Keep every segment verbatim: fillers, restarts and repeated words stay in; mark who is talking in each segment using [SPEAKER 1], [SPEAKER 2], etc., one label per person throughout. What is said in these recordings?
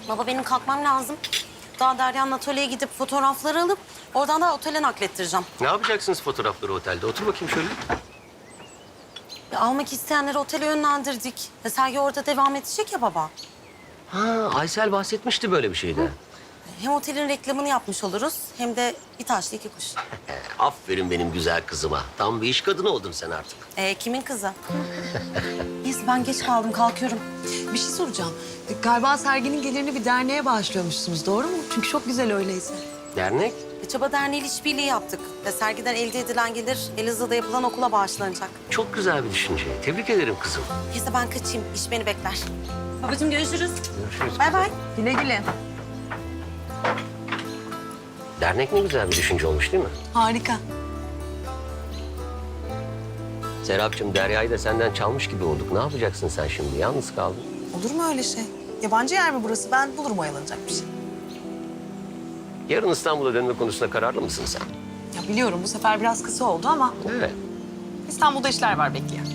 [SPEAKER 1] Baba benim kalkmam lazım. Daha Derya'nın atölyeye gidip fotoğrafları alıp oradan da otele naklettireceğim.
[SPEAKER 2] Ne yapacaksınız fotoğrafları otelde? Otur bakayım şöyle.
[SPEAKER 1] Ya, almak isteyenleri otele yönlendirdik. Ve sergi orada devam edecek ya baba.
[SPEAKER 2] Ha, Aysel bahsetmişti böyle bir şeyden.
[SPEAKER 1] Hem otelin reklamını yapmış oluruz hem de bir taşla iki kuş.
[SPEAKER 2] Ee, aferin benim güzel kızıma. Tam bir iş kadını oldun sen artık.
[SPEAKER 1] Ee, kimin kızı? Neyse ben geç kaldım kalkıyorum.
[SPEAKER 3] Bir şey soracağım. E, Galiba serginin gelirini bir derneğe bağışlıyormuşsunuz, doğru mu? Çünkü çok güzel öyleyse.
[SPEAKER 2] Dernek?
[SPEAKER 1] E, Çaba Derneği ile işbirliği yaptık. Ve sergiden elde edilen gelir Elazığ'da yapılan okula bağışlanacak.
[SPEAKER 2] Çok güzel bir düşünce. Tebrik ederim kızım.
[SPEAKER 1] Neyse ben kaçayım. İş beni bekler. Babacığım görüşürüz.
[SPEAKER 2] Görüşürüz.
[SPEAKER 1] Bay bay.
[SPEAKER 3] Güle güle.
[SPEAKER 2] Dernek ne güzel bir düşünce olmuş değil mi?
[SPEAKER 3] Harika.
[SPEAKER 2] Serapcığım, Derya'yı da senden çalmış gibi olduk. Ne yapacaksın sen şimdi? Yalnız kaldın.
[SPEAKER 4] Olur mu öyle şey? Yabancı yer mi burası? Ben bulurum oyalanacak bir şey.
[SPEAKER 2] Yarın İstanbul'a dönme konusunda kararlı mısın sen?
[SPEAKER 4] Ya biliyorum bu sefer biraz kısa oldu ama
[SPEAKER 2] Evet.
[SPEAKER 4] İstanbul'da işler var bekleyen.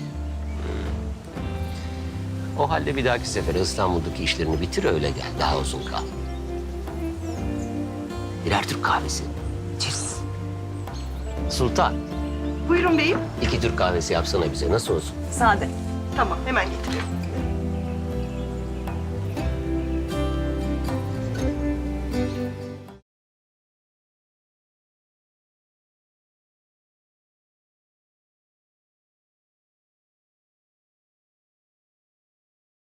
[SPEAKER 2] O halde bir dahaki sefere İstanbul'daki işlerini bitir öyle gel. Daha uzun kal. Birer Türk kahvesi.
[SPEAKER 4] Cheers.
[SPEAKER 2] Sultan,
[SPEAKER 5] Buyurun beyim.
[SPEAKER 2] iki Türk kahvesi yapsana bize. Nasıl olsun?
[SPEAKER 4] Sade.
[SPEAKER 5] Tamam, hemen getiriyorum.